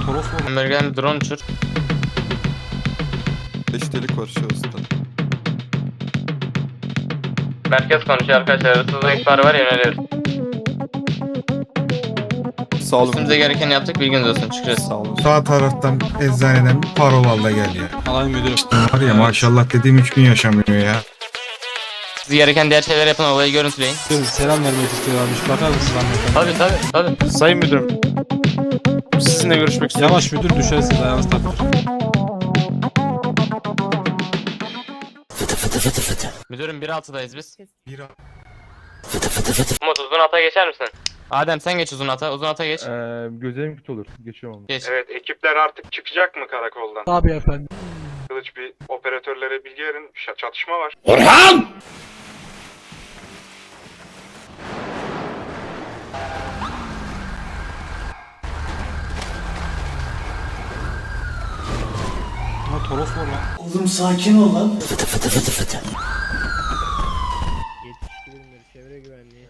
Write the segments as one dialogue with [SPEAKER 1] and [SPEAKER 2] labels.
[SPEAKER 1] Toros var.
[SPEAKER 2] Amerikan drone uçur.
[SPEAKER 3] 5 delik var şahısta.
[SPEAKER 2] Merkez konuşuyor arkadaşlar. Hırsızlık ihbarı var, yöneliyoruz.
[SPEAKER 3] Sağ olun.
[SPEAKER 2] Üstümüze gerekeni yaptık, bilginiz olsun. Çıkacağız.
[SPEAKER 3] Sağ olun.
[SPEAKER 4] Sağ taraftan eczaneden parovalda geliyor.
[SPEAKER 1] Alay müdürüm.
[SPEAKER 4] Var ya maşallah dediğim 3 gün yaşamıyor ya.
[SPEAKER 2] Siz gereken diğer şeyler yapın, olayı görüntüleyin.
[SPEAKER 1] Müdürüm selam vermek istiyorlarmış. Bakar mısın hanımefendi?
[SPEAKER 2] Tabii.
[SPEAKER 5] Sayın müdürüm, sizinle görüşmek istiyorum.
[SPEAKER 1] Yavaş müdür, düşersiniz, ayağınız takılır.
[SPEAKER 2] Müdürüm 1.6'dayız biz.
[SPEAKER 4] Bir
[SPEAKER 2] Umut uzun ata geçer misin? Adem sen geç uzun ata. Uzun ata geç.
[SPEAKER 5] Gözlerim kötü olur. Geçiyorum onu.
[SPEAKER 2] Geç.
[SPEAKER 6] Evet, ekipler artık çıkacak mı karakoldan?
[SPEAKER 1] Tabii efendim.
[SPEAKER 6] Kılıç, bir operatörlere bilgi verin. Çatışma var.
[SPEAKER 1] Ha Toros var lan.
[SPEAKER 7] Oğlum sakin ol lan.
[SPEAKER 8] Çevre güvenliği.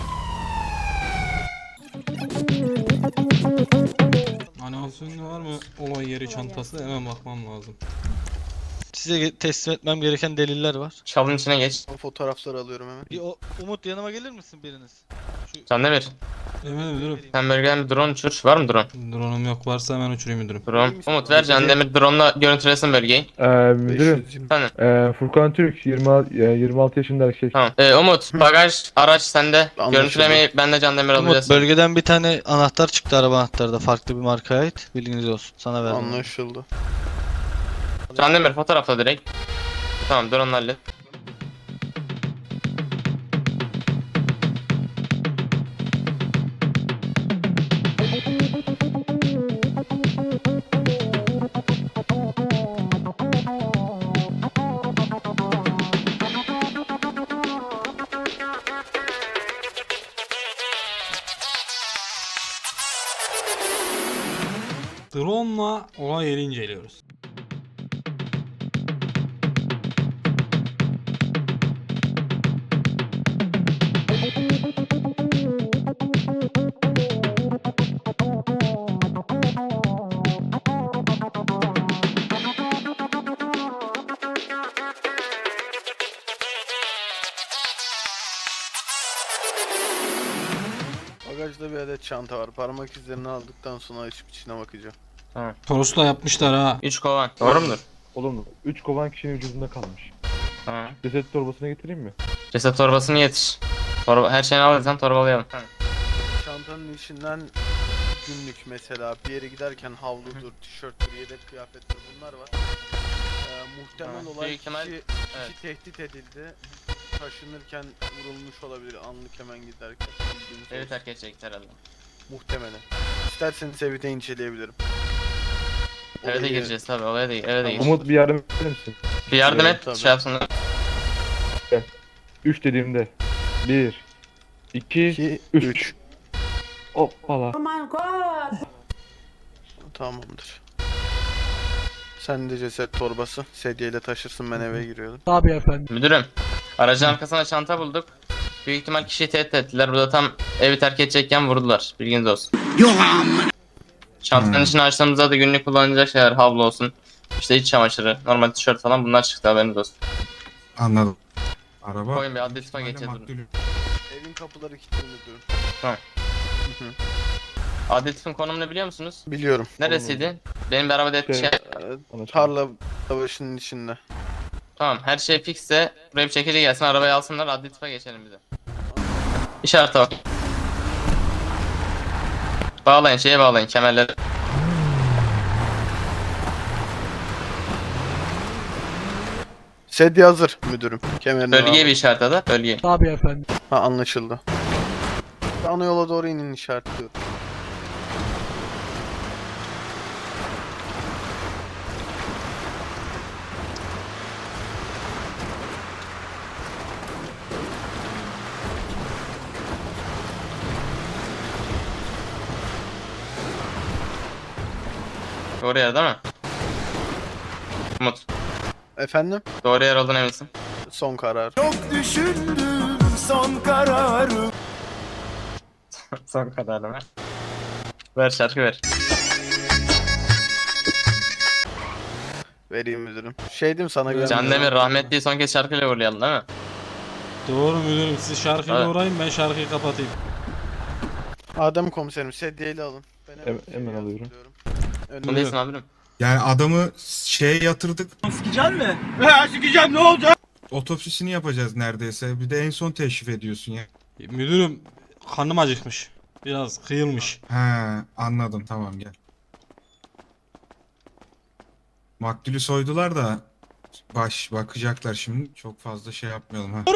[SPEAKER 1] Animasyon var mı? Olay yeri çantası, hemen bakmam lazım.
[SPEAKER 9] Size teslim etmem gereken deliller var.
[SPEAKER 2] Çalın içine geç.
[SPEAKER 9] Fotoğrafları alıyorum hemen. Umut yanıma gelir misin biriniz?
[SPEAKER 2] Candemir.
[SPEAKER 1] Evet müdürüm.
[SPEAKER 2] Sen Amerikan bir drone uçur. Var mı drone?
[SPEAKER 1] Drone'um yok, varsa hemen uçurayım müdürüm.
[SPEAKER 2] Drone. Umut ver Candemir drone'la görüntülesin bölgeyi.
[SPEAKER 5] Müdürüm,
[SPEAKER 2] Efendim.
[SPEAKER 5] Furkan Türk, 26 yaşında erkek.
[SPEAKER 2] Tamam. Umut bagaj araç sende.
[SPEAKER 9] Anlaşıldı.
[SPEAKER 2] Görüntülemeyi ben de Candemir alacağız.
[SPEAKER 9] Umut bölgeden bir tane anahtar çıktı, araba anahtarı da farklı bir markaya ait. Bilginiz olsun. Sana verdim. Anlaşıldı.
[SPEAKER 2] Candemir fotoğrafla direkt. Tamam drone'la hallet.
[SPEAKER 1] Drone'la olay yeri inceliyoruz.
[SPEAKER 9] Bagajda bir adet çanta var. Parmak izlerini aldıktan sonra açıp içine bakacağım.
[SPEAKER 1] Toros'la yapmışlar ha.
[SPEAKER 2] 3 kovan. Doğru mudur?
[SPEAKER 5] Olumlu. 3 kovan kişinin vücudunda kalmış.
[SPEAKER 2] Tamam.
[SPEAKER 5] Ceset torbasına getireyim mi?
[SPEAKER 2] Ceset torbasını yetiş. Her şeyini alırsan torbalayalım.
[SPEAKER 9] Çantanın içinden günlük mesela bir yere giderken havludur, tişörttür, yedek kıyafettir bunlar var. Muhtemel
[SPEAKER 2] Tamam.
[SPEAKER 9] olan
[SPEAKER 2] Büyük ihtimal-
[SPEAKER 9] kişi
[SPEAKER 2] evet.
[SPEAKER 9] tehdit edildi. Taşınırken vurulmuş olabilir anlık hemen giderken. Bilginiz
[SPEAKER 2] Evi
[SPEAKER 9] olsun.
[SPEAKER 2] terk edecek herhalde.
[SPEAKER 9] Muhtemelen. İsterseniz evi de inceleyebilirim.
[SPEAKER 2] Eve de
[SPEAKER 9] Olayı-
[SPEAKER 2] gireceğiz tabii, eve de gir.
[SPEAKER 5] Umut bir yardım eder misin?
[SPEAKER 2] Bir yardım et,
[SPEAKER 9] Tabii.
[SPEAKER 2] şey yapsınlar.
[SPEAKER 5] 3 dediğimde. 1 2
[SPEAKER 9] 2,
[SPEAKER 5] 3
[SPEAKER 9] 3.
[SPEAKER 5] Hoppala.
[SPEAKER 9] Tamamdır. Sen de ceset torbası. Sedyeyle taşırsın, ben eve giriyordum.
[SPEAKER 1] Tabii efendim.
[SPEAKER 2] Müdürüm, aracın arkasına çanta bulduk. Büyük ihtimal kişiyi tehdit ettiler. Burada tam evi terk edecekken vurdular. Bilginiz olsun. Çantanın içine açtığımızda da günlük kullanılacak şeyler, havlu olsun. İşte iç çamaşırı, normal tişört falan bunlar çıktı, haberiniz olsun.
[SPEAKER 4] Anladım. Araba.
[SPEAKER 2] Koyun bir adli tıpa geçeceğiz bunu.
[SPEAKER 4] Maktulü.
[SPEAKER 9] Evin kapıları kilitli müdürüm.
[SPEAKER 2] Adli tıpın konumunu biliyor musunuz?
[SPEAKER 9] Biliyorum.
[SPEAKER 2] Neresiydi? Benim bir arabada
[SPEAKER 5] Şey-
[SPEAKER 2] şey...
[SPEAKER 9] Tarla savaşının içinde.
[SPEAKER 2] Tamam, her şey fikse. Buraya bir çekici gelsin, arabayı alsınlar, adli tıpa geçelim bize. İşarete bak. Bağlayın, şeye bağlayın, kemerleri.
[SPEAKER 9] Sedye hazır müdürüm. Kemerini
[SPEAKER 2] Bölgeye
[SPEAKER 9] al.
[SPEAKER 2] bir işaret ada, bölgeye.
[SPEAKER 1] Tabii efendim.
[SPEAKER 9] Ha, anlaşıldı. Ana yola doğru inin, işaretliyorum.
[SPEAKER 2] Doğru yer değil mi? Umut,
[SPEAKER 9] Efendim?
[SPEAKER 2] doğru yer olduğuna eminsin.
[SPEAKER 9] Son karar.
[SPEAKER 2] Son kararı ver. Ver şarkı ver.
[SPEAKER 9] Vereyim müdürüm. Şey diyeyim sana
[SPEAKER 1] Can
[SPEAKER 2] Can Demir rahmetliyi son kez şarkıyla uğurlayalım değil mi?
[SPEAKER 1] Doğru müdürüm, siz şarkıyla
[SPEAKER 2] Evet.
[SPEAKER 1] uğrayın, ben şarkıyı kapatayım.
[SPEAKER 9] Adem komiserim sedyeyle alın. Ben
[SPEAKER 5] Hemen
[SPEAKER 9] sedyeyi
[SPEAKER 5] alıyorum.
[SPEAKER 9] hazırlıyorum.
[SPEAKER 2] Bu
[SPEAKER 9] Önüne-
[SPEAKER 2] değilsin amirim.
[SPEAKER 4] Yani adamı şeye yatırdık. Otopsisini yapacağız neredeyse. Bir de en son teşrif ediyorsun ya.
[SPEAKER 1] Müdürüm, karnım acıkmış. Biraz kıyılmış.
[SPEAKER 4] He, anladım, tamam gel. Maktulü soydular da bakacaklar şimdi. Çok fazla şey yapmayalım ha.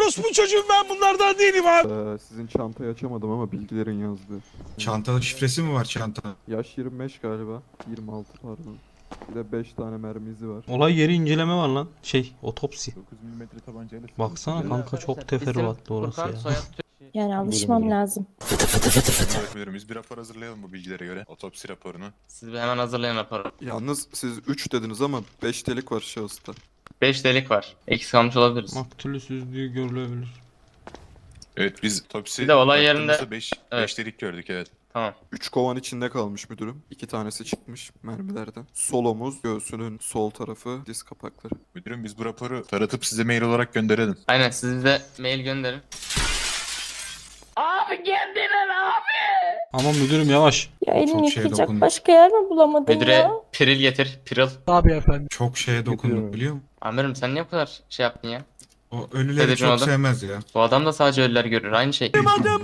[SPEAKER 3] Sizin çantayı açamadım ama bilgilerin yazdığı.
[SPEAKER 4] Çantada şifresi mi var çanta?
[SPEAKER 3] Yaş 25 galiba. 26 pardon. Bir de 5 tane mermi izi var.
[SPEAKER 1] Olay yeri inceleme var lan. Otopsi.
[SPEAKER 3] 9 mm tabancayla
[SPEAKER 1] Baksana kanka, çok teferruatlı orası
[SPEAKER 2] Furkan,
[SPEAKER 1] ya.
[SPEAKER 2] soyad
[SPEAKER 7] Yani alışmam lazım.
[SPEAKER 8] Evet müdürüm, biz bir rapor hazırlayalım bu bilgilere göre. Otopsi raporunu.
[SPEAKER 2] Siz bir hemen hazırlayın raporu.
[SPEAKER 3] Yalnız siz 3 dediniz ama 5 delik var şahısta.
[SPEAKER 2] 5 delik var. Eksik kalmış olabiliriz.
[SPEAKER 1] Maktulü süzdüğü görülebilir.
[SPEAKER 8] Evet biz otopsi
[SPEAKER 2] Bir de olay yerinde-
[SPEAKER 8] baktığımızda 5
[SPEAKER 2] Evet.
[SPEAKER 8] delik gördük evet.
[SPEAKER 2] Tamam.
[SPEAKER 3] 3 kovan içinde kalmış müdürüm. 2 tanesi çıkmış mermilerden. Sol omuz, göğsünün sol tarafı, diz kapakları.
[SPEAKER 8] Müdürüm biz bu raporu taratıp size mail olarak gönderelim.
[SPEAKER 2] Aynen, siz bize mail gönderin.
[SPEAKER 1] Aman müdürüm, yavaş.
[SPEAKER 7] Ya elini
[SPEAKER 4] Çok şey
[SPEAKER 7] yıkayacak
[SPEAKER 4] dokundu.
[SPEAKER 7] başka yer mi bulamadım
[SPEAKER 2] Müdüre
[SPEAKER 7] ya?
[SPEAKER 2] piril getir. Piril.
[SPEAKER 4] Çok şeye dokunduk
[SPEAKER 5] Getiriyorum.
[SPEAKER 4] biliyor musun?
[SPEAKER 2] Amirim sen niye bu kadar şey yaptın ya?
[SPEAKER 4] O ölüleri
[SPEAKER 2] Dedeciğim
[SPEAKER 4] çok
[SPEAKER 2] adam.
[SPEAKER 4] sevmez ya.
[SPEAKER 2] Bu adam da sadece ölüler görür. Aynı şey.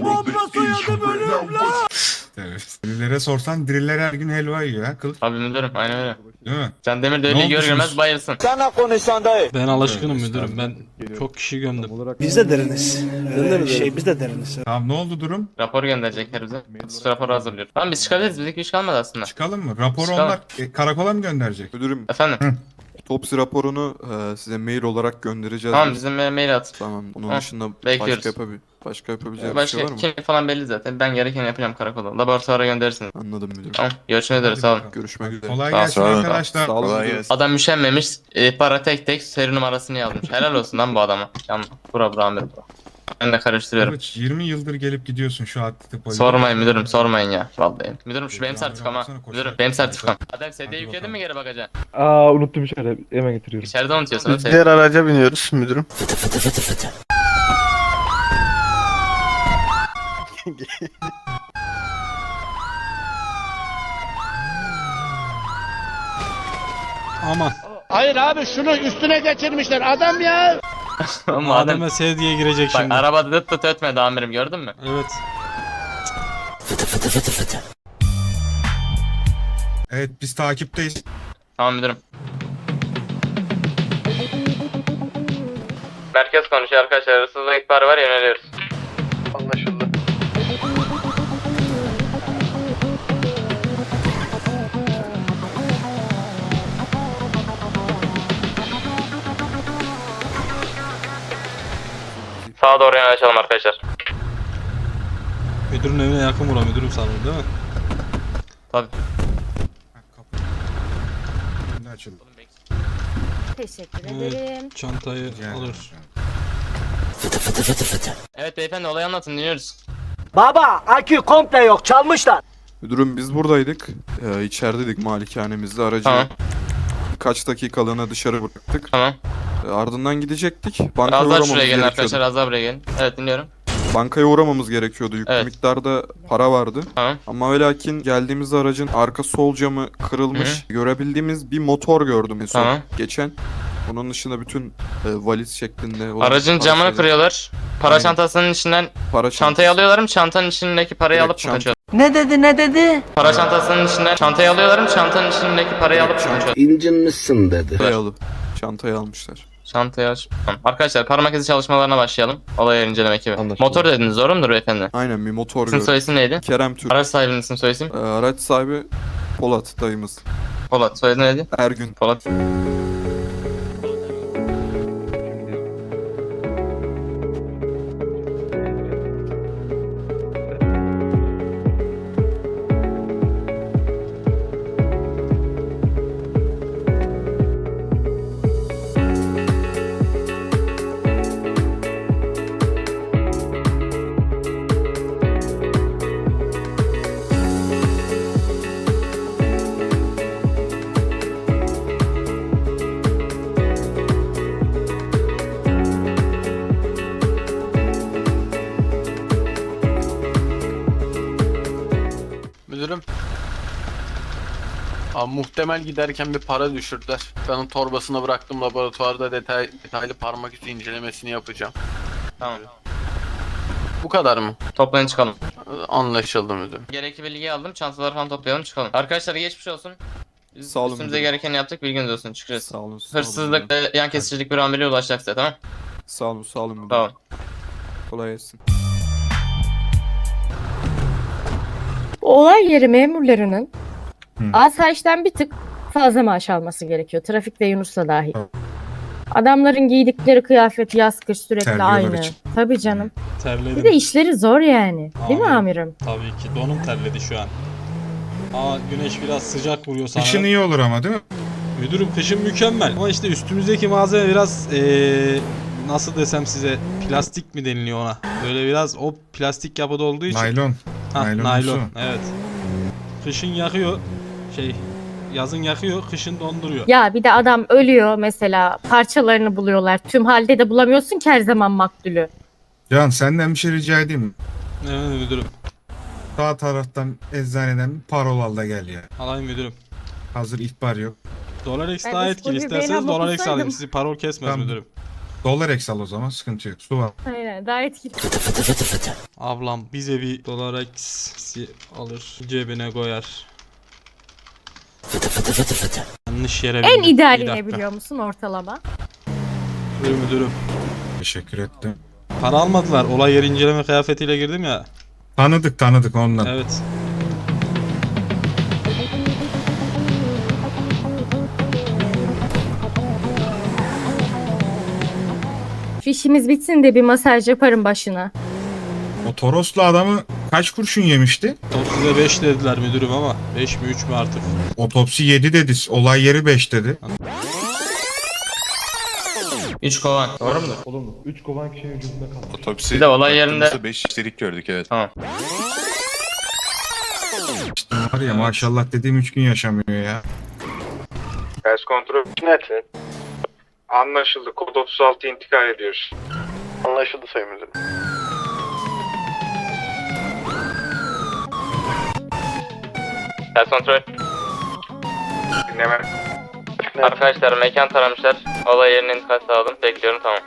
[SPEAKER 4] Evet. Ölülere sorsan diriller her gün helva yiyor ha kıl.
[SPEAKER 2] Abi müdürüm aynen öyle.
[SPEAKER 4] Değil mi?
[SPEAKER 2] Can Demir de
[SPEAKER 4] Ne
[SPEAKER 2] ölüyü gör
[SPEAKER 4] olmuşsunuz?
[SPEAKER 2] görmez bayılsın.
[SPEAKER 1] Ben alışkınım
[SPEAKER 4] Evet,
[SPEAKER 1] müdürüm. Ben çok kişi gömdüm.
[SPEAKER 10] Biz de deriniz. Biz de deriniz.
[SPEAKER 4] Tamam, ne oldu durum?
[SPEAKER 2] Rapor gönderecekler bize. Kutusu raporu hazırlıyoruz. Tamam biz çıkabiliriz. Bizdeki iş kalmadı aslında.
[SPEAKER 4] Çıkalım mı? Raporu
[SPEAKER 2] Çıkalım.
[SPEAKER 4] onlar karakola mı gönderecek?
[SPEAKER 3] Müdürüm
[SPEAKER 2] Efendim.
[SPEAKER 3] otopsi raporunu size mail olarak göndereceğiz.
[SPEAKER 2] Tamam
[SPEAKER 3] biz.
[SPEAKER 2] bizim mail at.
[SPEAKER 3] Tamam. Bunun
[SPEAKER 2] Heh,
[SPEAKER 3] dışında
[SPEAKER 2] bekliyoruz.
[SPEAKER 3] başka yapabileceğim bir şey
[SPEAKER 2] Başka
[SPEAKER 3] var mı?
[SPEAKER 2] kim falan belli zaten. Ben gerekeni yapacağım karakola. Laboratuvara gönderirsiniz.
[SPEAKER 3] Anladım müdürüm.
[SPEAKER 2] Tamam. Görüşmek üzere. Sağ olun.
[SPEAKER 3] Görüşmek üzere.
[SPEAKER 4] Kolay
[SPEAKER 2] Sağ ol,
[SPEAKER 4] gelsin
[SPEAKER 2] sağ ol.
[SPEAKER 4] arkadaşlar.
[SPEAKER 3] Sağ olun
[SPEAKER 8] Kolay
[SPEAKER 3] müdürüm.
[SPEAKER 8] gelsin.
[SPEAKER 2] Adam üşenmemiş. Para tek tek seri numarasını yazmış. Helal olsun lan bu adama. Yan bura amirim bura. Ben de karıştırıyorum.
[SPEAKER 4] Kılıç, 20 yıldır gelip gidiyorsun şu atletik polise.
[SPEAKER 2] Sormayın müdürüm sormayın ya. Vallahi. Müdürüm şu benim sertifikam ha.
[SPEAKER 4] Baksana, koşarak
[SPEAKER 2] Müdürüm benim
[SPEAKER 4] gidiyor.
[SPEAKER 2] sertifikam. Adem sedye
[SPEAKER 4] Hadi
[SPEAKER 2] yükledin
[SPEAKER 4] bakalım.
[SPEAKER 2] mi geri bagaja?
[SPEAKER 5] Aa unuttum içeride. Hemen getiriyorum.
[SPEAKER 2] İçeride unutuyorsun.
[SPEAKER 9] Biz diğer araca biniyoruz müdürüm.
[SPEAKER 1] Aman.
[SPEAKER 10] Hayır abi şunu üstüne geçirmişler adam ya.
[SPEAKER 2] Ama Adem
[SPEAKER 1] Adem'e sevdiye girecek
[SPEAKER 2] bak
[SPEAKER 1] şimdi.
[SPEAKER 2] arabada dıt dıt ötmedi amirim gördün mü?
[SPEAKER 1] Evet.
[SPEAKER 4] Evet, biz takipteyiz.
[SPEAKER 2] Tamam müdürüm. Merkez konuşuyor arkadaşlar. Hırsızlık ihbarı var yöneliyoruz.
[SPEAKER 9] Anlaşıldı.
[SPEAKER 2] Sağa doğru yöneleşelim arkadaşlar.
[SPEAKER 1] Müdürün evine yakın bura, müdürüm sanırım değil mi?
[SPEAKER 2] Tabii.
[SPEAKER 4] Ha, kapı. Şimdi açıldı.
[SPEAKER 7] Teşekkür
[SPEAKER 1] Evet.
[SPEAKER 7] ederim.
[SPEAKER 1] Çantayı
[SPEAKER 4] Rica
[SPEAKER 1] alır.
[SPEAKER 4] ederim.
[SPEAKER 2] Evet beyefendi olayı anlatın dinliyoruz.
[SPEAKER 10] Baba akü komple yok çalmışlar.
[SPEAKER 3] Müdürüm biz buradaydık. İçerideydik malikanemizde. Aracı
[SPEAKER 2] Tamam.
[SPEAKER 3] birkaç dakikalığına dışarı bıraktık.
[SPEAKER 2] Tamam.
[SPEAKER 3] Ardından gidecektik. Bankaya
[SPEAKER 2] Az daha
[SPEAKER 3] uğramamız
[SPEAKER 2] şuraya gelin
[SPEAKER 3] gerekiyordu.
[SPEAKER 2] arkadaşlar az daha buraya gelin. Evet dinliyorum.
[SPEAKER 3] Bankaya uğramamız gerekiyordu. Yüklü
[SPEAKER 2] Evet.
[SPEAKER 3] miktarda para vardı.
[SPEAKER 2] Tamam.
[SPEAKER 3] Ama ve lakin geldiğimizde aracın arka sol camı kırılmış. Görebildiğimiz bir motor gördüm en son
[SPEAKER 2] Tamam.
[SPEAKER 3] geçen. Onun dışında bütün valiz şeklinde olan
[SPEAKER 2] Aracın
[SPEAKER 3] para
[SPEAKER 2] camını
[SPEAKER 3] şeyleri-
[SPEAKER 2] kırıyorlar. Para
[SPEAKER 3] Aynen.
[SPEAKER 2] çantasının içinden
[SPEAKER 3] Para
[SPEAKER 2] çantayı
[SPEAKER 3] çantası.
[SPEAKER 2] alıyorlar mı? Çantanın içindeki parayı
[SPEAKER 3] Direkt
[SPEAKER 2] alıp mı
[SPEAKER 3] çanta.
[SPEAKER 2] kaçıyor?
[SPEAKER 10] Ne dedi?
[SPEAKER 2] Para çantasının içinden çantayı alıyorlar mı? Çantanın içindeki parayı
[SPEAKER 3] Direkt
[SPEAKER 2] alıp mı
[SPEAKER 3] çanta.
[SPEAKER 2] kaçıyor?
[SPEAKER 10] İncinmişsin dedi.
[SPEAKER 3] Dayalı. Çantayı almışlar.
[SPEAKER 2] Çantayı aç. Tamam. Arkadaşlar para makinesi çalışmalarına başlayalım. Olay yeri inceleme ekibi.
[SPEAKER 5] Anlaşıldı.
[SPEAKER 2] Motor dediniz doğru mudur beyefendi?
[SPEAKER 3] Aynen bir motor
[SPEAKER 2] İsim
[SPEAKER 3] gördüm.
[SPEAKER 2] soy isim neydi?
[SPEAKER 3] Kerem Türk.
[SPEAKER 2] Araç sahibinin isim soy isim?
[SPEAKER 3] Araç sahibi Polat dayımız.
[SPEAKER 2] Polat. Soyadı neydi?
[SPEAKER 3] Ergün.
[SPEAKER 2] Polat.
[SPEAKER 9] Müdürüm. Abi muhtemel giderken bir para düşürdüler. Ben onun torbasına bıraktım, laboratuvarda detaylı parmak izi incelemesini yapacağım.
[SPEAKER 2] Tamam.
[SPEAKER 9] Bu kadar mı?
[SPEAKER 2] Toplayın çıkalım.
[SPEAKER 9] Anlaşıldı müdürüm.
[SPEAKER 2] Gerekli bilgiyi aldım. Çantaları falan toplayalım çıkalım. Arkadaşlar geçmiş olsun. Biz
[SPEAKER 3] Sağ olun
[SPEAKER 2] üstümüze
[SPEAKER 3] müdürüm.
[SPEAKER 2] gerekeni yaptık. Bilginiz olsun. Çıkacağız.
[SPEAKER 3] Sağ olun. Sağ olun.
[SPEAKER 2] Hırsızlık ve yan kesicilik bir ameliye ulaşacak size, tamam?
[SPEAKER 3] Sağ olun. Sağ olun. müdürüm.
[SPEAKER 2] Tamam.
[SPEAKER 3] Kolay gelsin.
[SPEAKER 7] Olay yeri memurlarının
[SPEAKER 4] Hı.
[SPEAKER 7] asayişten bir tık fazla maaş alması gerekiyor. Trafikte Yunus'la dahil. Adamların giydikleri kıyafet yaz kış sürekli
[SPEAKER 4] Terliyorlar
[SPEAKER 7] aynı.
[SPEAKER 4] için.
[SPEAKER 7] Tabii canım. Bir de
[SPEAKER 1] Terledim.
[SPEAKER 7] işleri zor yani. Değil mi
[SPEAKER 1] Amirim.
[SPEAKER 7] amirim?
[SPEAKER 1] Tabii ki. Donum terledi şu an. Aa, güneş biraz sıcak vuruyor sana.
[SPEAKER 4] Kışın iyi olur ama değil mi?
[SPEAKER 1] Müdürüm kışın mükemmel. Ama işte üstümüzdeki malzeme biraz nasıl desem size, plastik mi deniliyor ona? Böyle biraz o plastik yapıda olduğu için.
[SPEAKER 4] Naylon.
[SPEAKER 1] Hah,
[SPEAKER 4] naylonumsu.
[SPEAKER 1] naylon. Evet. Kışın yakıyor. Yazın yakıyor, kışın donduruyor.
[SPEAKER 7] Ya bir de adam ölüyor mesela. Parçalarını buluyorlar. Tüm halde de bulamıyorsun ki her zaman maktulü.
[SPEAKER 4] Can senden bir şey rica edeyim mi?
[SPEAKER 1] Evet müdürüm.
[SPEAKER 4] Sağ taraftan eczaneden bir parol al da gel ya.
[SPEAKER 1] Alayım müdürüm.
[SPEAKER 4] Hazır ihbar yok.
[SPEAKER 1] Dolar
[SPEAKER 7] Ben
[SPEAKER 1] daha
[SPEAKER 7] de
[SPEAKER 1] etkili.
[SPEAKER 7] spor biberini
[SPEAKER 1] İsterseniz
[SPEAKER 7] ama
[SPEAKER 1] dolar alayım.
[SPEAKER 7] bulsaydım.
[SPEAKER 1] Sizi parol kesmez
[SPEAKER 4] Tamam.
[SPEAKER 1] müdürüm.
[SPEAKER 4] Dolar al o zaman sıkıntı yok. Su var.
[SPEAKER 7] Aynen daha etkili.
[SPEAKER 1] Ablam bize bir dolar alır. Cebine koyar. Yanlış yere
[SPEAKER 7] En
[SPEAKER 1] bindim. Bir
[SPEAKER 7] idealine
[SPEAKER 1] dakika.
[SPEAKER 7] biliyor musun ortalama?
[SPEAKER 1] Buyurun müdürüm.
[SPEAKER 4] Teşekkür ettim.
[SPEAKER 1] Para almadılar. Olay yeri inceleme kıyafetiyle girdim ya.
[SPEAKER 4] Tanıdık ondan.
[SPEAKER 1] Evet.
[SPEAKER 7] Şu işimiz bitsin de bir masaj yaparım başına.
[SPEAKER 4] O Toroslu adamı kaç kurşun yemişti?
[SPEAKER 1] Topsize 5 dediler müdürüm ama 5 mi 3 mü artık?
[SPEAKER 4] Otopsi 7 dedi. Olay yeri 5 dedi.
[SPEAKER 2] 3 kovan. Doğru mudur?
[SPEAKER 5] Olumlu. 3 kovan kişinin vücudunda kalmış.
[SPEAKER 8] Otopsi
[SPEAKER 2] Bir de olay yerinde-
[SPEAKER 8] 5 işlerik gördük evet.
[SPEAKER 2] Tamam.
[SPEAKER 4] İşte var ya maşallah dediğim 3 gün yaşamıyor ya.
[SPEAKER 6] Ters kontrol net. Anlaşıldı. Kod 36 intikal ediyoruz.
[SPEAKER 9] Anlaşıldı sayın müdürüm.
[SPEAKER 2] Ters kontrol.
[SPEAKER 6] Dinleme.
[SPEAKER 2] Arkadaşlar mekan taramışlar. Olay yerine intikal sağladım. Bekliyorum, tamam.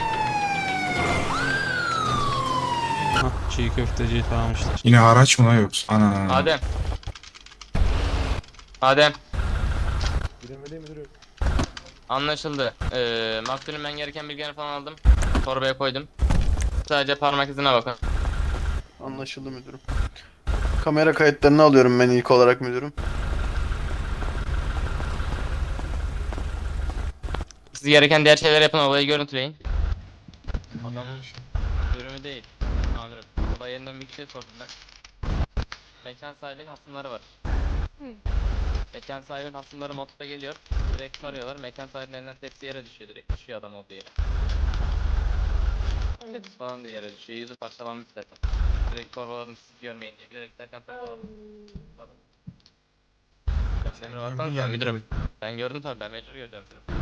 [SPEAKER 1] Hah, çiğ köfteciyi tanımışlar.
[SPEAKER 4] Yine araç mı lan yoksa? Ana.
[SPEAKER 2] Adem. Adem.
[SPEAKER 5] Bilemediğim müdürüm.
[SPEAKER 2] Anlaşıldı. Maktulün ben gereken bilgileri falan aldım. Torbaya koydum. Sadece parmak izine bakın.
[SPEAKER 9] Anlaşıldı müdürüm. Kamera kayıtlarını alıyorum ben ilk olarak müdürüm.
[SPEAKER 2] Siz gereken diğer şeyler yapın, olayı görüntüleyin. Adamın durumu değil. Amirim. Olay yerinden bir kişiye sordular. Mekan sahibinin hasımları var. Mekan sahibinin hasımları modda geliyor. Direkt soruyorlar. Mekan sahibinin elinden tepsi yere düşüyor. Direkt düşüyor adam olduğu yere. Tepsi falan da yere düşüyor. Yüzü parçalanmış zaten. Direkt torbaladım siz görmeyin diye. Direkt derken torbaladım. Emre baksanıza müdürüm. Ben gördüm tabii, ben mecbur göreceğim.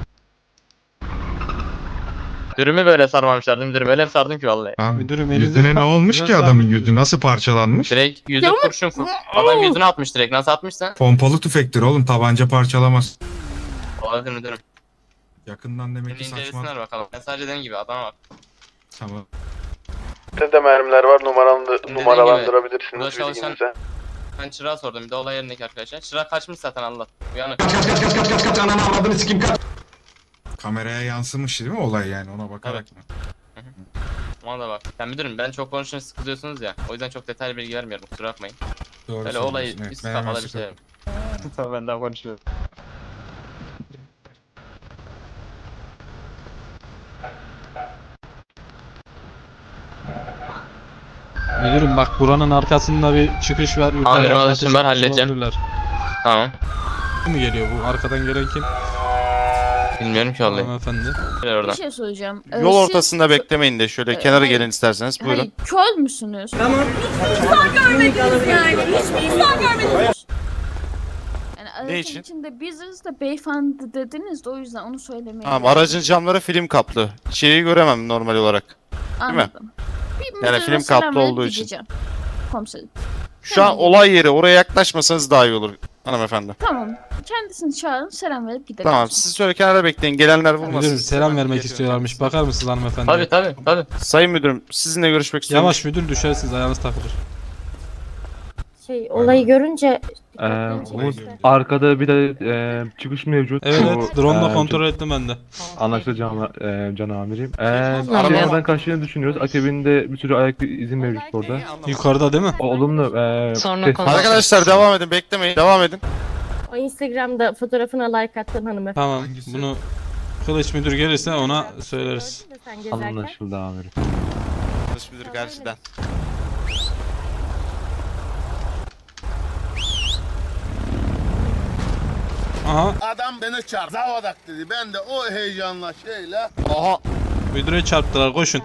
[SPEAKER 2] Dürümü böyle sarmamışlardı müdürüm. Öyle sardım ki vallahi.
[SPEAKER 4] Abi,
[SPEAKER 1] Müdürüm elinize-
[SPEAKER 4] yüzüne ne olmuş ki
[SPEAKER 1] Biraz
[SPEAKER 4] adamın
[SPEAKER 1] daha-
[SPEAKER 4] yüzü? Nasıl parçalanmış?
[SPEAKER 2] Direkt yüzü kurşun adam yüzüne atmış direkt. Nasıl atmışsa?
[SPEAKER 4] Pompalı tüfektir oğlum, tabanca parçalamaz.
[SPEAKER 2] Olabilir müdürüm.
[SPEAKER 4] Yakından demek
[SPEAKER 2] Şimdi
[SPEAKER 4] ki saçma.
[SPEAKER 2] incelesinler bakalım. Ben sadece dediğim gibi adama bak.
[SPEAKER 4] Tamam.
[SPEAKER 9] Sizde mermiler var,
[SPEAKER 2] gibi,
[SPEAKER 9] numaralandırabilirsiniz
[SPEAKER 2] burada çalışan-
[SPEAKER 9] bilginize.
[SPEAKER 2] Ben çırağa sordum. Bir de olay yerindeki arkadaşlar. Çırak kaçmış zaten, Allah. Uyanık.
[SPEAKER 4] Kameraya yansımış değil mi olay yani, ona bakarak mı?
[SPEAKER 2] Ona da bak. Ben müdürüm, ben çok konuşunca sıkılıyorsunuz ya. O yüzden çok detaylı bilgi vermiyorum. Kusura bakmayın.
[SPEAKER 4] Doğru
[SPEAKER 2] Böyle olayı
[SPEAKER 4] söylüyorsun,
[SPEAKER 2] üst
[SPEAKER 4] ben hemen
[SPEAKER 2] kafada bir şey
[SPEAKER 4] sıkıldım.
[SPEAKER 2] verim. Tamam, ben daha konuşuyorum.
[SPEAKER 1] Müdürüm bak, buranın arkasında bir çıkış var. Yukarı
[SPEAKER 2] Amirim,
[SPEAKER 1] ateş
[SPEAKER 2] alışım var, halledeceğim.
[SPEAKER 1] olabilirler.
[SPEAKER 2] Tamam.
[SPEAKER 1] Kim mi geliyor bu? Arkadan gelen kim?
[SPEAKER 2] Bilmiyorum ki vallahi.
[SPEAKER 1] Hanımefendi.
[SPEAKER 2] Gel oradan.
[SPEAKER 11] Bir şey söyleyeceğim.
[SPEAKER 8] Yol ortasında beklemeyin de şöyle kenara
[SPEAKER 11] hayır.
[SPEAKER 8] gelin isterseniz buyurun.
[SPEAKER 11] Hayır, kör müsünüz? Tamam. Hiç insan görmediniz yani. Hiçbir insan görmediniz. Yani aracın
[SPEAKER 8] için?
[SPEAKER 11] içinde biziz de beyefendi dediniz de o yüzden onu söylemeye
[SPEAKER 8] Tamam, aracın camları film kaplı. İçeriği göremem normal olarak.
[SPEAKER 11] Anladım. Bir
[SPEAKER 8] Yani
[SPEAKER 11] müdüre
[SPEAKER 8] film
[SPEAKER 11] selam
[SPEAKER 8] kaplı
[SPEAKER 11] verip
[SPEAKER 8] olduğu için.
[SPEAKER 11] gideceğim. Komiserim.
[SPEAKER 10] Şu an olay yeri, oraya yaklaşmasanız daha iyi olur hanımefendi.
[SPEAKER 11] Tamam. Kendisini çağırın, selam verip gidelim.
[SPEAKER 10] Tamam, siz şöyle kenara bekleyin, gelenler vurmasın.
[SPEAKER 1] Müdürüm selam vermek
[SPEAKER 3] geliyorum.
[SPEAKER 1] istiyorlarmış. Bakar mısınız hanımefendi?
[SPEAKER 2] Tabii tabii tabii.
[SPEAKER 10] Sayın müdürüm, sizinle görüşmek istiyorum.
[SPEAKER 1] Yavaş müdür, düşersiniz, ayağınız takılır.
[SPEAKER 7] Olayı görünce
[SPEAKER 5] Umut, arkada bir de çıkış mevcut.
[SPEAKER 1] Evet,
[SPEAKER 5] Bu,
[SPEAKER 1] evet, drone'la kontrol ettim ben de.
[SPEAKER 5] Anlaşıldı can amirim.
[SPEAKER 7] Anladım.
[SPEAKER 5] Arabadan kaçtığını düşünüyoruz. Akabinde bir sürü ayak izi mevcut orada.
[SPEAKER 1] Yukarıda değil mi?
[SPEAKER 5] Olumlu.
[SPEAKER 11] Sonra
[SPEAKER 5] test-
[SPEAKER 11] konuşuruz.
[SPEAKER 10] Arkadaşlar devam edin, beklemeyin, devam edin.
[SPEAKER 7] o Instagram'da fotoğrafına like attın hanımefendi.
[SPEAKER 1] Tamam,
[SPEAKER 4] Hangisi?
[SPEAKER 1] bunu Kılıç müdür gelirse ona söyleriz.
[SPEAKER 7] Gördün mü sen gezerken?
[SPEAKER 5] Anlaşıldı amirim.
[SPEAKER 10] Kılıç müdür karşıdan.
[SPEAKER 1] Aha,
[SPEAKER 10] Adam beni çağır, zavadak dedi. Ben de o heyecanla şeyle.
[SPEAKER 1] müdüre çarptılar, koşun.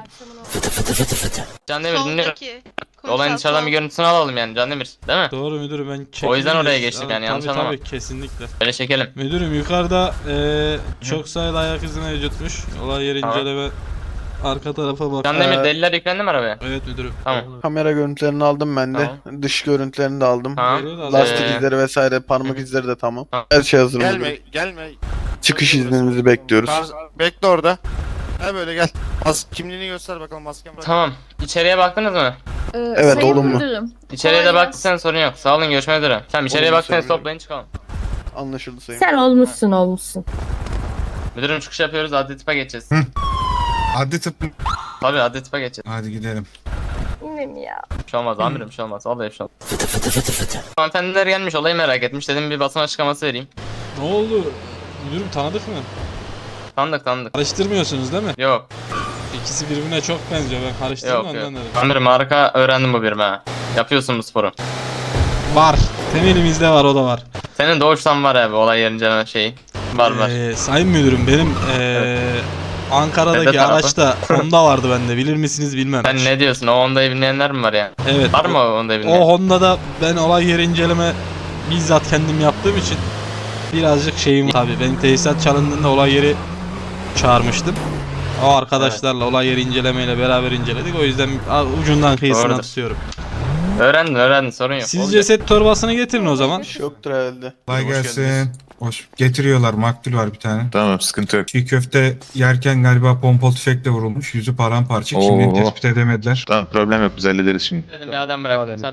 [SPEAKER 2] Can Demir dinliyorum. Olayın dışarıdan bir görüntüsünü alalım yani Can Demir. Değil mi?
[SPEAKER 1] Doğru müdürüm, ben çektim.
[SPEAKER 2] O yüzden oraya geçtik yani, yanlış
[SPEAKER 1] tabii,
[SPEAKER 2] anlama.
[SPEAKER 1] Tabii kesinlikle.
[SPEAKER 2] Böyle çekelim.
[SPEAKER 1] Müdürüm yukarıda çok sayıda ayak izi mevcutmuş. Olay yeri
[SPEAKER 2] Tamam.
[SPEAKER 1] inceleme arka tarafa bak.
[SPEAKER 2] Can Demir deliller yüklendi mi arabaya?
[SPEAKER 1] Evet müdürüm.
[SPEAKER 2] Tamam.
[SPEAKER 9] Kamera görüntülerini aldım ben de. Dış görüntülerini de aldım.
[SPEAKER 2] Tamam.
[SPEAKER 9] Lastik
[SPEAKER 2] Ee,
[SPEAKER 9] izleri vesaire, parmak izleri de tamam.
[SPEAKER 2] Tamam.
[SPEAKER 9] Her şey hazır
[SPEAKER 10] Gelme,
[SPEAKER 9] müdürüm.
[SPEAKER 10] gelme.
[SPEAKER 9] Çıkış izninizi bekliyoruz.
[SPEAKER 10] Bekle orada. Gel böyle gel. Kimliğini göster bakalım, masken bırak.
[SPEAKER 2] Tamam. İçeriye baktınız mı?
[SPEAKER 9] Evet,
[SPEAKER 11] Sayın
[SPEAKER 9] olumlu.
[SPEAKER 11] Müdürüm.
[SPEAKER 2] İçeriye de
[SPEAKER 11] Kolay
[SPEAKER 2] baktıysan sorun yok. Sağ olun, görüşmek üzere. Tamam, içeriye
[SPEAKER 9] Olumlu
[SPEAKER 2] baktıysanız
[SPEAKER 9] söylüyorum.
[SPEAKER 2] toplayın çıkalım.
[SPEAKER 9] Anlaşıldı sayın.
[SPEAKER 7] Sen olmuşsun.
[SPEAKER 2] Müdürüm çıkış yapıyoruz, adli tıpa geçeceğiz.
[SPEAKER 4] Adli tıp.
[SPEAKER 2] Tabii adli tıpa geçeceğiz.
[SPEAKER 4] Hadi gidelim.
[SPEAKER 7] Yine mi ya?
[SPEAKER 2] Bir şey olmaz amirim, bir şey olmaz. Vallahi bir şey olmaz. Hanımefendiler gelmiş, olayı merak etmiş. Dedim bir basın açıklaması vereyim.
[SPEAKER 1] Ne oldu? Müdürüm tanıdık mı?
[SPEAKER 2] Tanıdık.
[SPEAKER 1] Karıştırmıyorsunuz değil mi?
[SPEAKER 2] Yok.
[SPEAKER 1] İkisi birbirine çok benziyor, ben karıştırdım
[SPEAKER 2] Yok
[SPEAKER 1] ondan
[SPEAKER 2] yok.
[SPEAKER 1] dedim.
[SPEAKER 2] Amirim harika öğrendim bu birime ha. Yapıyorsun bu sporu.
[SPEAKER 1] Var. Temelimizde var, o da var.
[SPEAKER 2] Senin doğuştan var abi olay yerince şeyi. Var.
[SPEAKER 1] Sayın müdürüm, benim Ankara'daki
[SPEAKER 2] Neden tarafı?
[SPEAKER 1] araçta Honda vardı bende, bilir misiniz bilmem.
[SPEAKER 2] Sen ne diyorsun? O Honda'yı bilmeyenler mi var yani?
[SPEAKER 1] Evet.
[SPEAKER 2] Var mı o Honda'yı bilmeyen?
[SPEAKER 1] O Honda'da ben olay yeri inceleme bizzat kendim yaptığım için birazcık şeyim var. Tabii benim tesisat çalındığında olay yeri çağırmıştım. O arkadaşlarla olay yeri incelemeyle beraber inceledik. O yüzden ucundan kıyısına
[SPEAKER 2] Doğrudur.
[SPEAKER 1] tutuyorum.
[SPEAKER 2] Öğrendin sorun yok.
[SPEAKER 1] Siz
[SPEAKER 2] Olacak.
[SPEAKER 1] ceset torbasını getirin o zaman.
[SPEAKER 9] Yoktur herhalde.
[SPEAKER 4] Kolay
[SPEAKER 8] Hoş
[SPEAKER 4] gelsin.
[SPEAKER 8] geldiniz.
[SPEAKER 4] Hoş. Getiriyorlar. Maktul var bir tane.
[SPEAKER 8] Tamam, sıkıntı yok.
[SPEAKER 4] Çiğ köfte yerken galiba pompalı tüfekle vurulmuş. Yüzü paramparça.
[SPEAKER 8] Oo.
[SPEAKER 4] Kimliğini tespit edemediler.
[SPEAKER 8] Tamam, problem yok, biz hallederiz şimdi.
[SPEAKER 2] Dedim bir adam bırak. Sen.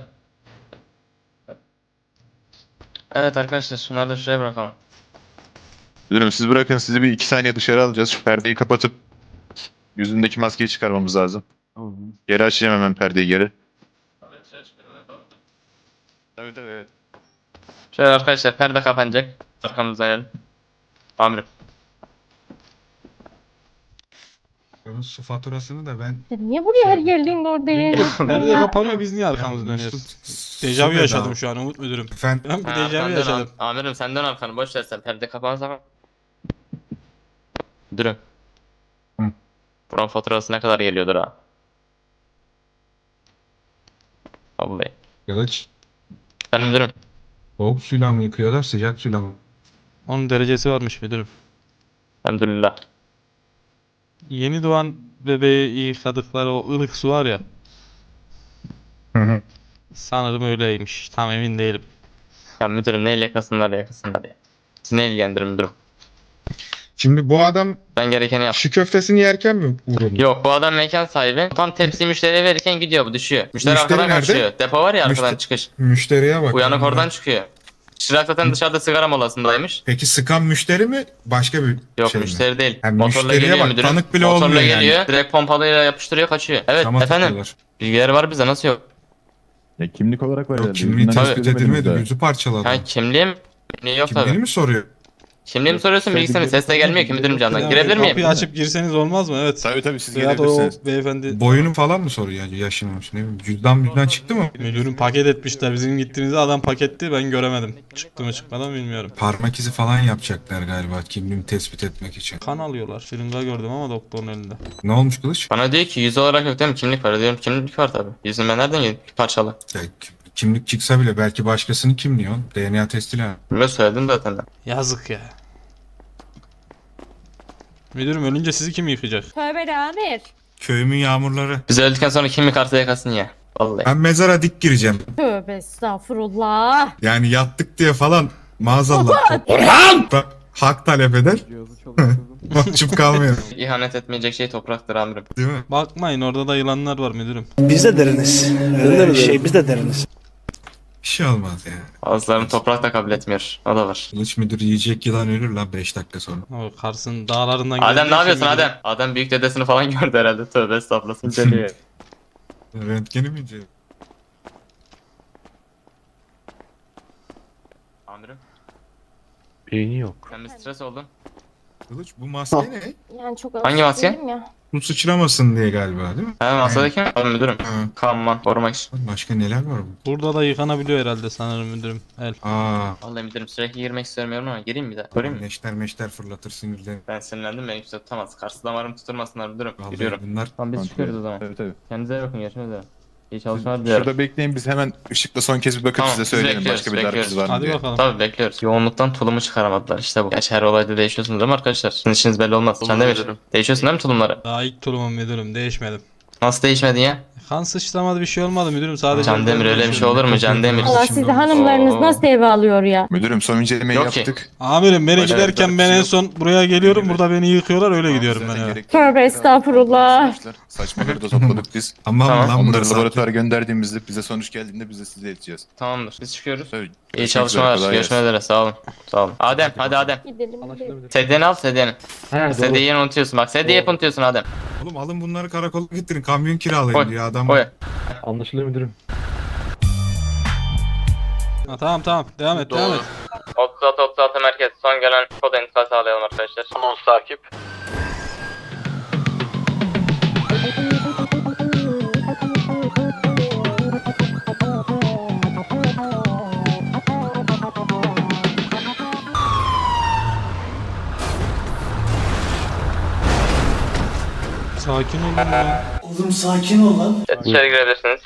[SPEAKER 2] Evet arkadaşlar şunları da şuraya bırakalım.
[SPEAKER 8] Müdürüm siz bırakın, sizi bir 2 saniye dışarı alacağız. Şu perdeyi kapatıp yüzündeki maskeyi çıkarmamız lazım. Geri açacağım hemen perdeyi geri. Evet evet.
[SPEAKER 2] Şöyle arkadaşlar perde kapanacak. Arkamızdan gelin. Amirim.
[SPEAKER 4] Su faturasını da ben...
[SPEAKER 7] Niye buraya her geldiğinde oradayım?
[SPEAKER 1] Nerede kapanıyor, biz niye arkamızı dönüyoruz? Dejavu
[SPEAKER 4] Su
[SPEAKER 1] yaşadım
[SPEAKER 4] bedava.
[SPEAKER 1] şu an Umut müdürüm.
[SPEAKER 4] Efendim?
[SPEAKER 1] Ben bir
[SPEAKER 2] Ha,
[SPEAKER 1] dejavu
[SPEAKER 2] sen dön
[SPEAKER 1] yaşadım.
[SPEAKER 2] Amirim sen dön arkanı boş ver sen perde kapanırsa. Müdürüm.
[SPEAKER 4] Hı.
[SPEAKER 2] Buranın faturası ne kadar geliyordur ha? Vallahi.
[SPEAKER 4] Kılıç.
[SPEAKER 2] Ben müdürüm.
[SPEAKER 4] Soğuk suyla mı yıkıyorlar, sıcak suyla mı?
[SPEAKER 1] Onun derecesi varmış müdürüm.
[SPEAKER 2] Elhamdülillah.
[SPEAKER 1] Yeni doğan bebeği yıkadıkları o ılık su var ya. Sanırım öyleymiş. Tam emin değilim.
[SPEAKER 2] Ya müdürüm neyle yakasınlar ya. Sizi ne ilgilendirir müdürüm?
[SPEAKER 4] Şimdi bu adam
[SPEAKER 2] Ben gerekeni yap.
[SPEAKER 4] şu köftesini yerken mi vuruldu?
[SPEAKER 2] Yok bu adam mekan sahibi. Tam tepsiyi müşteriye verirken gidiyor bu düşüyor. Müşteri
[SPEAKER 4] Müşteri
[SPEAKER 2] arkadan
[SPEAKER 4] nerede?
[SPEAKER 2] kaçıyor. Depo var ya arkadan
[SPEAKER 4] Müşte-
[SPEAKER 2] çıkış.
[SPEAKER 4] Müşteriye bak.
[SPEAKER 2] Uyanık oradan çıkıyor. Çırak zaten dışarıda sigara molasındaymış.
[SPEAKER 4] Peki sıkan müşteri mi? Başka bir
[SPEAKER 2] Yok
[SPEAKER 4] şey mi?
[SPEAKER 2] müşteri değil.
[SPEAKER 4] Yani
[SPEAKER 2] Motorla
[SPEAKER 4] müşteriye
[SPEAKER 2] geliyor
[SPEAKER 4] bak,
[SPEAKER 2] müdürüm.
[SPEAKER 4] tanık bile
[SPEAKER 2] Motorla
[SPEAKER 4] olmuyor yani.
[SPEAKER 2] geliyor. Direkt pompalıyla yapıştırıyor kaçıyor. Evet
[SPEAKER 4] Şama
[SPEAKER 2] efendim.
[SPEAKER 4] tutuyorlar.
[SPEAKER 2] Bilgileri var bize nasıl yok?
[SPEAKER 8] Ya kimlik olarak var
[SPEAKER 4] Yok,
[SPEAKER 8] herhalde.
[SPEAKER 4] kimliği
[SPEAKER 8] Yüzünden
[SPEAKER 4] tespit
[SPEAKER 8] göremedim
[SPEAKER 4] edilmedi.
[SPEAKER 8] daha.
[SPEAKER 4] Yüzü parçaladı.
[SPEAKER 2] Ha kimliğim? Kimliği yok
[SPEAKER 4] Kimliğini
[SPEAKER 2] tabii.
[SPEAKER 4] mi soruyor?
[SPEAKER 2] Kimliği mi soruyorsun bilgisini mi? Ses de gelmiyor ki müdürüm candan. Girebilir miyim?
[SPEAKER 1] Kapıyı açıp girseniz olmaz mı? Evet.
[SPEAKER 8] Tabii siz
[SPEAKER 1] Veya da o
[SPEAKER 8] gelebilirsiniz.
[SPEAKER 1] beyefendi
[SPEAKER 4] Boyunu falan mı soruyor yani yaşınmış ne bileyim. Cüzdan çıktı mı?
[SPEAKER 1] müdürün paket etmişler. Bizim gittiğimizde adam paketti, ben göremedim. Çıktı mı çıkmadan bilmiyorum.
[SPEAKER 4] Parmak izi falan yapacaklar galiba kimliğini tespit etmek için.
[SPEAKER 1] Kan alıyorlar. Şırınga gördüm ama doktorun elinde.
[SPEAKER 4] Ne olmuş Kılıç?
[SPEAKER 2] Bana diyor ki yüz olarak yok değil mi? Kimlik var. Diyorum kimlik var tabii. Yüzümü ben nereden yedim? Parçalı.
[SPEAKER 4] Ya, kimlik çıksa bile belki başkasının kimliği o. DNA testiyle.
[SPEAKER 2] Böyle söyledim zaten.
[SPEAKER 1] Yazık ya. Müdürüm ölünce sizi kim yıkayacak?
[SPEAKER 7] Tövbe de amir.
[SPEAKER 4] Köyümün yağmurları.
[SPEAKER 2] Biz öldükten sonra kimlik artı yakasın ya. Vallahi.
[SPEAKER 4] Ben mezara dik gireceğim.
[SPEAKER 7] Tövbe estağfurullah.
[SPEAKER 4] Yani yattık diye falan maazallah. Orhan! Hak talep eder. Mahcup kalmıyor.
[SPEAKER 2] İhanet etmeyecek şey topraktır amirim.
[SPEAKER 4] Değil mi?
[SPEAKER 1] Bakmayın orada da yılanlar var müdürüm.
[SPEAKER 5] Biz de deriniz. Öyle bir şey biz de deriniz.
[SPEAKER 4] Bir şey olmaz ya.
[SPEAKER 2] Bazılarını toprak da kabul etmiyor. O da var.
[SPEAKER 4] Kılıç müdür yiyecek yılan ölür lan 5 dakika sonra.
[SPEAKER 1] O Kars'ın dağlarından
[SPEAKER 2] Adem
[SPEAKER 1] geldiği
[SPEAKER 2] ne yapıyorsun
[SPEAKER 1] için müdürüm.
[SPEAKER 2] Adem? Adem büyük dedesini falan gördü herhalde. Tövbe estağfurullah. İnceliyor.
[SPEAKER 4] Röntgeni mi ince?
[SPEAKER 2] Amirim
[SPEAKER 5] Beyni yok.
[SPEAKER 2] sen bir stres oldun.
[SPEAKER 4] Kılıç bu maske ne?
[SPEAKER 7] Yani çok
[SPEAKER 2] Hangi
[SPEAKER 7] alışık
[SPEAKER 2] maske?
[SPEAKER 7] değilim ya.
[SPEAKER 4] Bu sıçramasın diye galiba değil mi?
[SPEAKER 2] He masadaki mi? Oğlum müdürüm.
[SPEAKER 4] Ha.
[SPEAKER 2] Kanman korumak için.
[SPEAKER 4] Başka neler var bu?
[SPEAKER 1] Burada da yıkanabiliyor herhalde sanırım müdürüm. El.
[SPEAKER 4] Aa.
[SPEAKER 2] Vallahi müdürüm sürekli girmek istemiyorum ama gireyim bir daha. Koruyayım mı?
[SPEAKER 4] Meşter fırlatır sinirden.
[SPEAKER 2] Ben sinirlendim beni kimse tutamaz. Karşı damarımı tutturmasınlar müdürüm.
[SPEAKER 4] Vallahi
[SPEAKER 2] Giriyorum.
[SPEAKER 4] bunlar
[SPEAKER 2] Tamam biz
[SPEAKER 8] Kontrol
[SPEAKER 2] çıkıyoruz o zaman.
[SPEAKER 8] Tabii tabii.
[SPEAKER 2] Kendinize iyi bakın görüşmek üzere. İyi çalışmalar dilerim.
[SPEAKER 8] Şurada bekleyin biz hemen ışıkla son kez bir bakıp
[SPEAKER 2] Tamam,
[SPEAKER 8] size
[SPEAKER 2] biz
[SPEAKER 8] söyleyelim
[SPEAKER 2] bekliyoruz,
[SPEAKER 8] başka bir darkız var mı
[SPEAKER 1] Hadi
[SPEAKER 8] diye.
[SPEAKER 1] bakalım.
[SPEAKER 2] Tabii bekliyoruz. Yoğunluktan tulumu çıkaramadılar işte bu. Gerçi her olayda değişiyorsunuz ama arkadaşlar. Sizin işiniz belli olmaz. Sen de mi? Değişiyorsun değil mi tulumları?
[SPEAKER 1] Daha ilk tulumum müdürüm değişmedim.
[SPEAKER 2] Nasıl değişmedin ya?
[SPEAKER 1] Kan sıçramadı bir şey olmadı müdürüm sadece.
[SPEAKER 2] Can Demir öyle bir şey olur mu Can Demir?
[SPEAKER 7] Allah sizi hanımlarınız
[SPEAKER 2] Oo.
[SPEAKER 7] nasıl eve alıyor ya?
[SPEAKER 8] Müdürüm son incelemeyi
[SPEAKER 2] Yok ki.
[SPEAKER 8] yaptık.
[SPEAKER 1] Amirim beni
[SPEAKER 8] Başka
[SPEAKER 1] giderken
[SPEAKER 8] bir
[SPEAKER 1] ben
[SPEAKER 8] şey
[SPEAKER 1] en
[SPEAKER 8] yok.
[SPEAKER 1] son buraya geliyorum.
[SPEAKER 8] Müdürüm.
[SPEAKER 1] Burada beni yıkıyorlar öyle gidiyorum ben
[SPEAKER 8] Zaten
[SPEAKER 1] eve.
[SPEAKER 8] gerekli
[SPEAKER 7] Tövbe estağfurullah.
[SPEAKER 8] arkadaşlar. Saçmaları da topladık biz.
[SPEAKER 4] Tamam,
[SPEAKER 2] Tamam.
[SPEAKER 4] lan
[SPEAKER 8] Onları
[SPEAKER 4] burası.
[SPEAKER 8] laboratuvara gönderdiğimizde bize sonuç geldiğinde biz de size ileteceğiz.
[SPEAKER 2] Tamamdır. Biz çıkıyoruz.
[SPEAKER 8] Tabii.
[SPEAKER 2] İyi
[SPEAKER 8] Görüşmek
[SPEAKER 2] çalışmalar.
[SPEAKER 8] üzere, kolay
[SPEAKER 2] Görüşmek üzere. Sağ olun. Sağ olun. Adem hadi Adem.
[SPEAKER 7] Gidelim. gidelim.
[SPEAKER 2] Sedyeni al sedyeni. Sedyeyi unutuyorsun bak. Sedyeyi hep unutuyorsun Adem.
[SPEAKER 4] Oğlum alın bunları karakola getirin. Kamyon kiralayın
[SPEAKER 2] Koy.
[SPEAKER 4] diyor adam.
[SPEAKER 2] Koy.
[SPEAKER 5] Anlaşılıyor müdürüm.
[SPEAKER 1] Ha, tamam devam et devam et.
[SPEAKER 2] 36 merkez. Son gelen kod intikal sağlayalım arkadaşlar.
[SPEAKER 6] Anons takip.
[SPEAKER 1] Sakin olun ya.
[SPEAKER 2] Evet, içeri girebilirsiniz.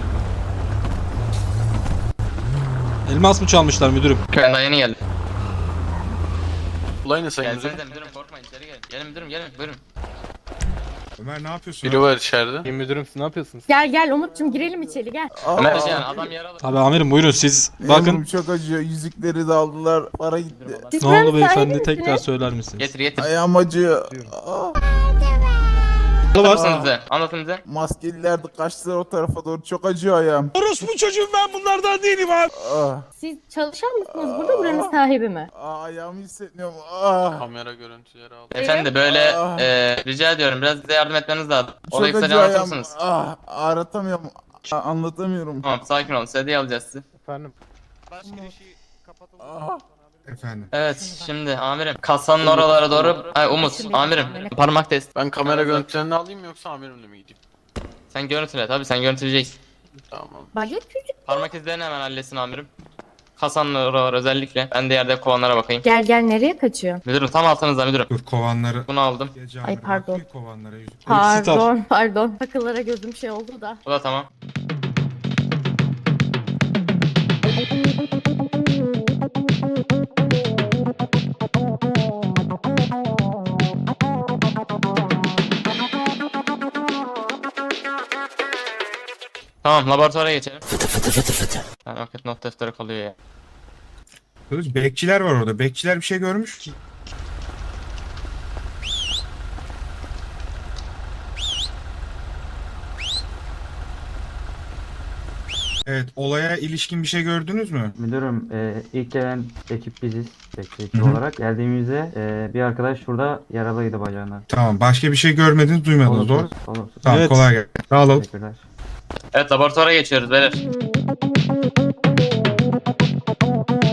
[SPEAKER 1] Elmas mı çalmışlar müdürüm?
[SPEAKER 2] Ben daha yeni geldim.
[SPEAKER 9] Olay ne sayın müdürüm?
[SPEAKER 2] Gelsenize müdürüm korkmayın içeri gelin. Gelin müdürüm gelin buyurun.
[SPEAKER 4] Ömer ne yapıyorsun?
[SPEAKER 9] Biri var içeride.
[SPEAKER 5] Müdürüm siz ne yapıyorsunuz?
[SPEAKER 7] Gel Umut'cum girelim içeri gel.
[SPEAKER 2] Ömer Can adam yaralı.
[SPEAKER 1] Tabii amirim buyurun siz bakın.
[SPEAKER 10] Çok acıyor. Yüzükleri de aldılar. Para gitti.
[SPEAKER 7] Siz
[SPEAKER 1] Ne
[SPEAKER 7] buranın
[SPEAKER 1] oldu beyefendi
[SPEAKER 7] sahibi
[SPEAKER 1] tekrar
[SPEAKER 7] misiniz?
[SPEAKER 1] söyler misiniz?
[SPEAKER 2] Getir getir.
[SPEAKER 10] Ayağım acıyor.
[SPEAKER 2] Anlatın bize. Anlatın bize.
[SPEAKER 10] Maskeliler de kaçtılar o tarafa doğru. Çok acıyor ayağım.
[SPEAKER 7] Siz çalışan mısınız burada buranın sahibi mi?
[SPEAKER 10] Ayağımı hissetmiyorum.
[SPEAKER 9] Kamera görüntüleri aldım.
[SPEAKER 2] Efendi böyle
[SPEAKER 7] Ah.
[SPEAKER 2] rica ediyorum biraz bize yardım etmeniz lazım.
[SPEAKER 10] Çok
[SPEAKER 2] Olayı kısaca
[SPEAKER 10] acıyor ayağım.
[SPEAKER 2] anlatır mısınız?
[SPEAKER 10] Ağrıtamıyorum. Anlatamıyorum.
[SPEAKER 2] Tamam sakin olun. Sedye alacağız sizi.
[SPEAKER 5] Efendim.
[SPEAKER 4] Efendim.
[SPEAKER 2] Evet şimdi amirim kasanın oralara doğru Umut amirim parmak test.
[SPEAKER 9] Ben kamera görüntülerini alayım yoksa amirimle mi gideyim?
[SPEAKER 2] Sen görüntüle tabii sen görüntüleyeceksin.
[SPEAKER 9] Tamam.
[SPEAKER 7] Baget çocuk.
[SPEAKER 2] Parmak izlerini hemen halletsin amirim. Kasanın oralar özellikle. Ben de yerde kovanlara bakayım.
[SPEAKER 7] Gel nereye kaçıyor?
[SPEAKER 2] Müdürüm tam altınızda müdürüm.
[SPEAKER 4] Dur kovanları.
[SPEAKER 2] Bunu aldım.
[SPEAKER 4] Gece
[SPEAKER 7] Ay,
[SPEAKER 4] abi,
[SPEAKER 7] pardon.
[SPEAKER 4] bakıyor kovanlara yüzük.
[SPEAKER 7] Pardon. Takılara gözüm şey oldu da.
[SPEAKER 2] Bu da tamam. Tamam laboratuvara geçelim. Yani vakit not defteri kalıyor ya.
[SPEAKER 4] Kılıç bekçiler var orada. Bekçiler bir şey görmüş. Evet, olaya ilişkin bir şey gördünüz mü?
[SPEAKER 5] Müdürüm ilk gelen ekip biziz. Bekleyici
[SPEAKER 4] Hı hı.
[SPEAKER 5] olarak. Geldiğimizde bir arkadaş şurada yaralıydı bacağına.
[SPEAKER 4] Tamam, başka bir şey görmediniz, duymadınız, doğru?
[SPEAKER 5] Olumsuz.
[SPEAKER 4] Tamam,
[SPEAKER 1] Evet.
[SPEAKER 4] kolay gelsin. Dağılalım.
[SPEAKER 5] Teşekkürler.
[SPEAKER 2] Evet laboratuvara geçiyoruz beyler.